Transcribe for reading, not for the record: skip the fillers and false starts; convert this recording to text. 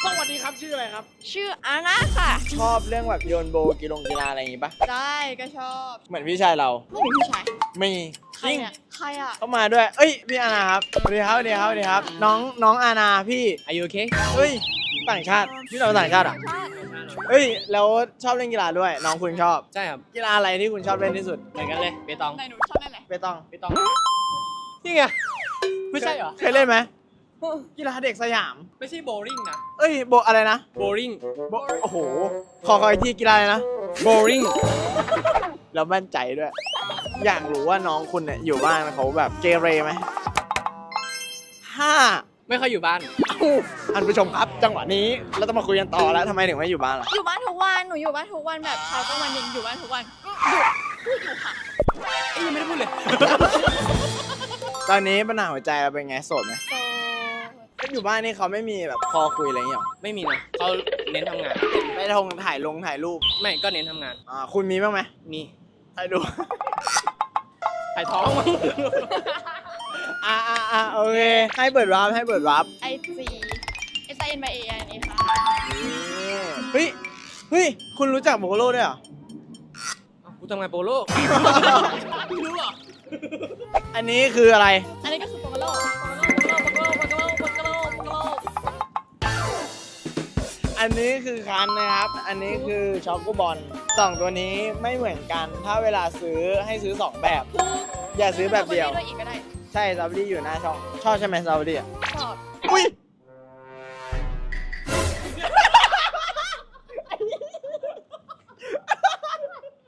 สวัสดีครับชื่ออะไรครับชื่ออาน่าค่ะชอบเรื่องแบบโยนโบกีฬาอะไรอย่างงี้ปะได้ก็ชอบเหมือนพี่ชายเราไม่มีพี่ชายมีใครเนี่ยใครอ่ะเข้ามาด้วยเอ้ยพี่อาณาครับสวัสดีครับสวัสดีครับสวัสดีครับน้องอาณาพี่อายุโอเคเฮ้ยต่างชาติพี่เราต่างชาติอ่ะเฮ้ยแล้วชอบเล่นกีฬาด้วยน้องคุณชอบใช่ครับกีฬาอะไรที่คุณชอบเล่นที่สุดเหมือนกันเลยเปตองไหนหนูชอบเล่นอะไรเปตองเปตองนี่ไงไม่ใช่เหรอเคยเล่นไหมกีฬาเด็กสยามไม่ใช่โบว์ลิ่งนะเอ้ยโบอะไรนะโบว์ลิ่งโบโอ้โหขออีกทีกีฬาอะไรนะโบว์ลิ่งแล้วมั่นใจด้วย อยากรู้ว่าน้องคุณเนี่ยอยู่บ้านเขาแบบเกเรไหม5 ไม่ค่อยอยู่บ้านท่านผู้ชมครับจังหวะนี้เราต้องมาคุยกันต่อแล้วทำไมถึงไม่อยู่บ้านล่ะอยู่บ้านทุกวันหนูอยู่บ้านทุกวันแบบเช้ากลางวันเย็นอยู่บ้านทุกวันพูดอยู่ค่ะเอ้ยยังไม่ได้พูดเลยตอนนี้ปัญหาหัวใจเราเป็นไงโสดไหมโซก็อยู่บ้านนี่เขาไม่มีแบบคอคุยอะไรอย่างเงี้ยหรอไม่มีนะเขาเน้นทำงานไปถ่ายรูปไม่ก็เน้นทำงานคุณมีบ้างไหมมีถ่ายรูปถ่ายท้องมั้งโอเคให้เปิดวาร์ป IG SINBA อันนี้ค่ะเฮ้ยคุณรู้จักโบโลด้วยเหรออ้าวกูทำงานโปโลไม่รู้เหรออันนี้คืออะไรอันนี้ก็คือโปกโลโปกโลอันนี้คือคันนะครับ อันนี้คือช็อกโกบอลสองตัวนี้ไม่เหมือนกัน ถ้าเวลาซื้อให้ซื้อ2แบบ อย่าซื้อแบบเดียวด้วยอีกก็ได้ใช่ซาบดี้อยู่หน้าช่อง ชอบใช่ไหมซาบดี้อ่ะ